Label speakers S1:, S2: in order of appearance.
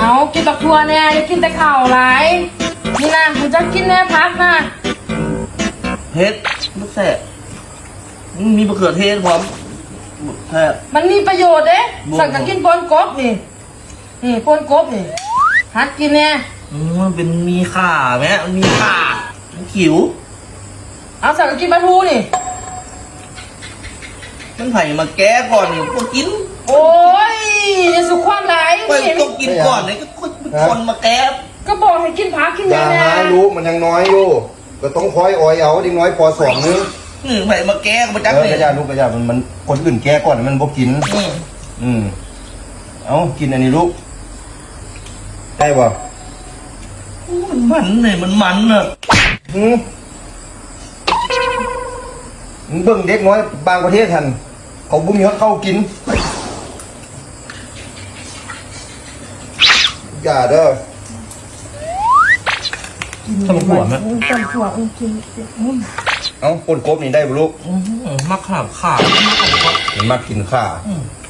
S1: เอากินบักทัวแน่อย่ากินแต่ข้าวหลายนี่นะมันจะกินแน่พักนะ
S2: เผ็ดลูกแซ่บมีมะเขือเทศพร้อมแซ่บ
S1: มันมีประโยชน์เด้
S2: บ่
S1: สั่งกับกินปนกบนี่ปนกบนี่หัดกินแน่
S2: มันเป็นมีข่าไหมมันมีข่ามันขิว
S1: เอาสั่งกับกินปลาทูนี่
S2: มันไผ่มาแก้ก่อนนี่ก็กิน
S1: โอ้ยอย่าสุขความหลาย
S2: ก็
S1: นี่
S2: ต้องกินก่อนเลยก็คนมาแก้
S1: ก็บอกให้กินผักกิน
S3: อย่า
S1: แน่
S3: หารู้มันยังน้อยอยู่ก็ต้องคอยอ้อยเอาดิ้งน้อยพอสองนึง
S2: ไผ่มาแก้มาจัก
S3: เออ
S2: เลย
S3: กระยาลูกกระยามันคนอื่นแก้ก่อนมันบ่กิน เอากินอันนี้ลูกได้ป่ะ
S2: มันมันเลยมันมันอ่ะ
S3: มึงเบิ่งเด็กน้อยบางประเทศทันเขาบุ้มยอดเข้ากินอย่าเด้อ
S2: ทำขวดไหม
S1: ตำถั่วกิน
S3: เอาปนกบนี่ได้บ่ลูก
S2: มะขามข่า
S3: เห็นมากกินข้า